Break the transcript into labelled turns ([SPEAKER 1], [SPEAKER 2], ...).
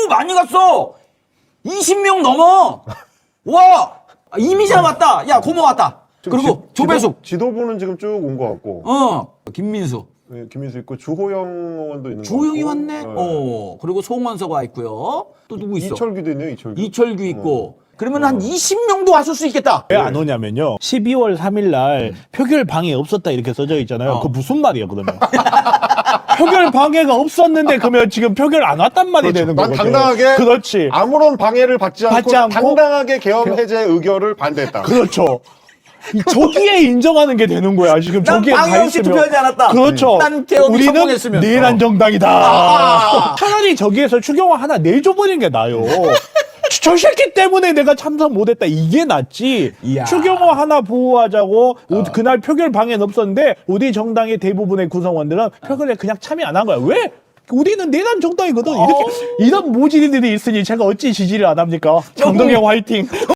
[SPEAKER 1] 많이 갔어. 20명 넘어. 와, 이미자 왔다. 야, 고모 왔다. 그리고 조배숙.
[SPEAKER 2] 지도부는 지금 쭉 온 것 같고.
[SPEAKER 1] 김민수.
[SPEAKER 2] 네, 김민수 있고 주호영 의원도 있는 것 같고.
[SPEAKER 1] 조용히 왔네.
[SPEAKER 2] 네.
[SPEAKER 1] 그리고 송원서가 있고요. 또 누구 있어?
[SPEAKER 2] 이철규도 있네요. 이철규.
[SPEAKER 1] 이철규 있고. 그러면 한 20명도 왔을 수 있겠다.
[SPEAKER 3] 왜 안 오냐면요. 12월 3일 날 표결 방해 없었다 이렇게 써져 있잖아요. 그 무슨 말이야 그러면? 표결 방해가 없었는데 그러면 지금 표결 안 왔단 말이 되는
[SPEAKER 2] 난
[SPEAKER 3] 거죠.
[SPEAKER 2] 당당하게
[SPEAKER 3] 그렇지.
[SPEAKER 2] 아무런 방해를 받지 않고
[SPEAKER 3] 않고
[SPEAKER 2] 당당하게 계엄 해제 의결을 반대했다.
[SPEAKER 3] 그렇죠. 저기에 인정하는 게 되는 거야. 지금
[SPEAKER 1] 난
[SPEAKER 3] 저기에
[SPEAKER 1] 방해
[SPEAKER 3] 가
[SPEAKER 1] 없이
[SPEAKER 3] 있으면.
[SPEAKER 1] 투표하지 않았다.
[SPEAKER 3] 그렇죠.
[SPEAKER 1] 난 개혁이
[SPEAKER 3] 우리는
[SPEAKER 1] 성공했으면.
[SPEAKER 3] 내란 정당이다. 차라리 저기에서 추경호 하나 내줘버리는 게 나아요. 저 새끼 때문에 내가 참석 못했다 이게 낫지.
[SPEAKER 1] 이야.
[SPEAKER 3] 추경호 하나 보호하자고 그날 표결 방해는 없었는데 우리 정당의 대부분의 구성원들은 표결에 그냥 참여 안 한 거야. 왜? 우리는 내란 정당이거든. 이렇게 이런 모질이들이 있으니 제가 어찌 지지를 안 합니까? 장동영 화이팅.